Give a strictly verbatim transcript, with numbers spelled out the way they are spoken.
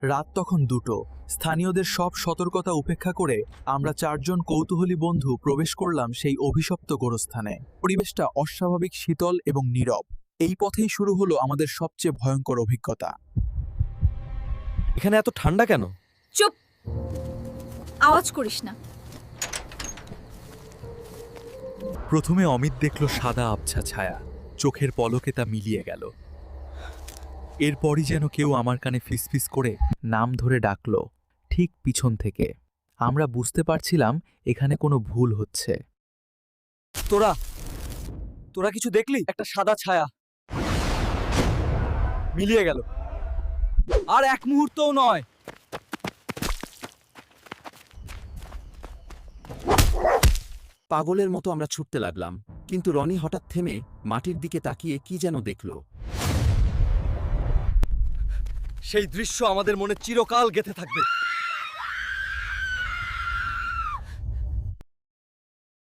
রাত তখন দুটো। স্থানীয়দের সব সতর্কতা উপেক্ষা করে আমরা চারজন কৌতূহলী বন্ধু প্রবেশ করলাম সেই অভিশপ্ত গোরস্থানে। পরিবেশটা অস্বাভাবিক শীতল এবং নীরব। এই পথেই শুরু হলো আমাদের সবচেয়ে ভয়ঙ্কর অভিজ্ঞতা। এখানে এত ঠান্ডা কেন? চুপ, আওয়াজ করিস না। প্রথমে অমিত দেখল সাদা আবছা ছায়া, চোখের পলকে তা মিলিয়ে গেল। এরপরই যেন কেউ আমার কানে ফিসফিস করে নাম ধরে ডাকল ঠিক পিছন থেকে। আমরা বুঝতে পারছিলাম এখানে কোনো ভুল হচ্ছে। তোরা তোরা কিছু দেখলি? একটা সাদা ছায়া মিলিয়ে গেল, আর এক মুহূর্তও নয়। পাগলের মতো আমরা ছুটতে লাগলাম, কিন্তু রনি হঠাৎ থেমে মাটির দিকে তাকিয়ে কি যেন দেখল। সেই দৃশ্য আমাদের মনে চিরকাল গেঁথে থাকবে।